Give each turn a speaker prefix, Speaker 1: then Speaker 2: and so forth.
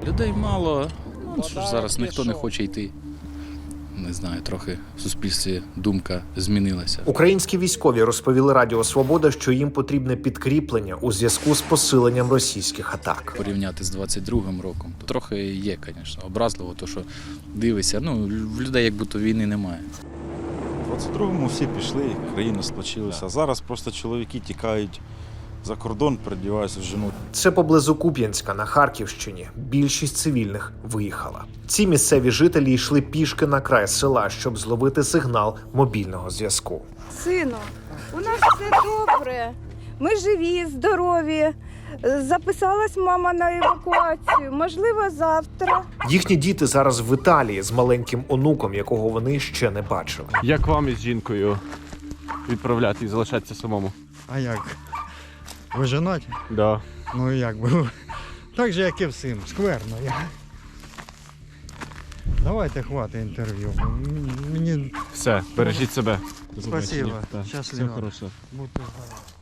Speaker 1: Людей мало, що ж зараз ніхто не хоче йти. Не знаю, трохи в суспільстві думка змінилася.
Speaker 2: Українські військові розповіли Радіо Свобода, що їм потрібне підкріплення у зв'язку з посиленням російських атак.
Speaker 1: Порівняти з 22-м роком, то трохи є, звісно, образливо, то що дивишся, в людей як будто війни немає.
Speaker 3: У 22-му всі пішли, країна сплочилася. Зараз просто чоловіки тікають за кордон, передіваються в жену.
Speaker 2: Це поблизу Куп'янська на Харківщині. Більшість цивільних виїхала. Ці місцеві жителі йшли пішки на край села, щоб зловити сигнал мобільного зв'язку.
Speaker 4: Сину, у нас все добре. Ми живі, здорові. Записалась мама на евакуацію. Можливо, завтра.
Speaker 2: Їхні діти зараз в Італії з маленьким онуком, якого вони ще не бачили.
Speaker 5: Як вам із жінкою відправляти і залишатися самому?
Speaker 6: А як? Ви женаті?
Speaker 5: Да.
Speaker 6: Ну як би. Так же, як і всім. Скверно. Давайте хватить інтерв'ю. Мені
Speaker 5: Все, бережіть себе.
Speaker 6: спасибо.
Speaker 5: Так,
Speaker 6: Щасливо.
Speaker 5: Все хорошо.
Speaker 6: Будьте здорові.